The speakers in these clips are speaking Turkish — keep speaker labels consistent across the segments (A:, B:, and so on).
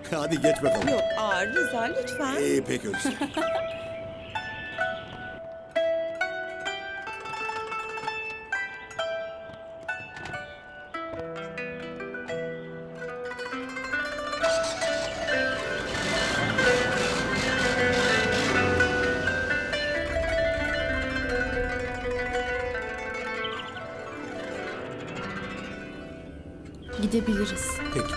A: Hadi geç bakalım.
B: Yok, Rıza lütfen.
A: Peki öyleyse.
C: Gidebiliriz.
A: Peki.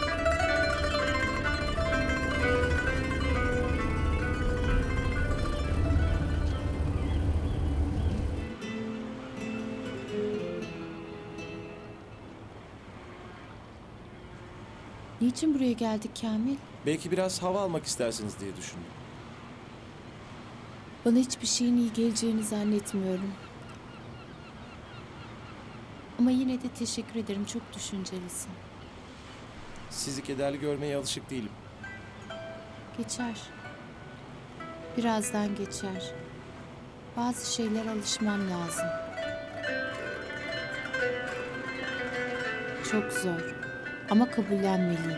C: Niçin buraya geldik Kamil?
D: Belki biraz hava almak istersiniz diye düşündüm.
C: Bana hiçbir şeyin iyi geleceğini zannetmiyorum. Ama yine de teşekkür ederim. Çok düşüncelisin.
D: Sizi kederli görmeye alışık değilim.
C: Geçer. Birazdan geçer. Bazı şeyler alışmam lazım. Çok zor. Ama kabullenmeliyim.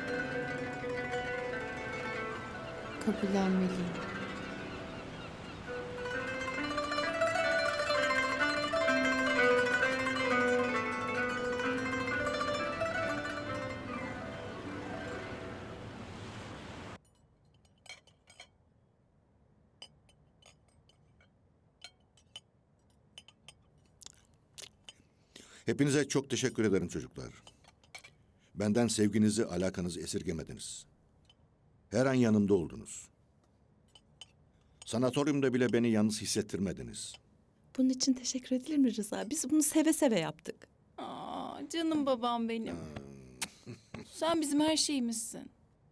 C: Kabullenmeliyim.
A: Hepinize çok teşekkür ederim çocuklar. Benden sevginizi, alakanızı esirgemediniz. Her an yanımda oldunuz. Sanatoryumda bile beni yalnız hissettirmediniz.
B: Bunun için teşekkür edilir mi Rıza? Biz bunu seve seve yaptık.
E: Canım babam benim. Sen bizim her şeyimizsin.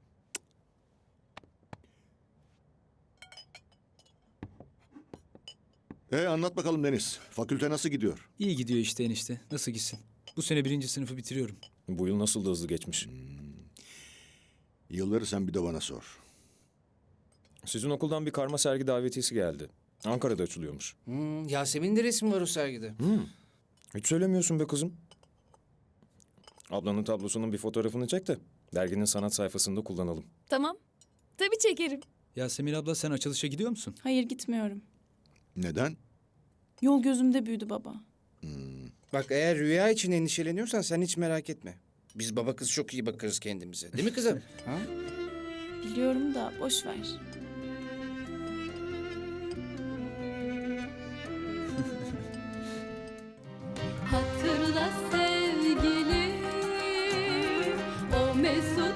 A: Anlat bakalım Deniz. Fakülte nasıl gidiyor?
F: İyi gidiyor işte enişte. Nasıl gitsin? Bu sene 1. sınıfı bitiriyorum.
D: Bu yıl nasıl da hızlı geçmiş.
A: Yılları sen bir de bana sor.
D: Sizin okuldan bir karma sergi davetiyesi geldi. Ankara'da açılıyormuş.
G: Yasemin'in de resmi var o sergide.
D: Hiç söylemiyorsun be kızım. Ablanın tablosunun bir fotoğrafını çek de derginin sanat sayfasında kullanalım.
E: Tamam. Tabii çekerim.
F: Yasemin abla sen açılışa gidiyor musun?
E: Hayır gitmiyorum.
A: Neden?
E: Yol gözümde büyüdü baba.
G: Bak eğer rüya için endişeleniyorsan sen hiç merak etme. Biz baba kız çok iyi bakarız kendimize. Değil mi kızım? Ha?
E: Biliyorum da boş ver.
H: Hatırla sevgilim, o mesut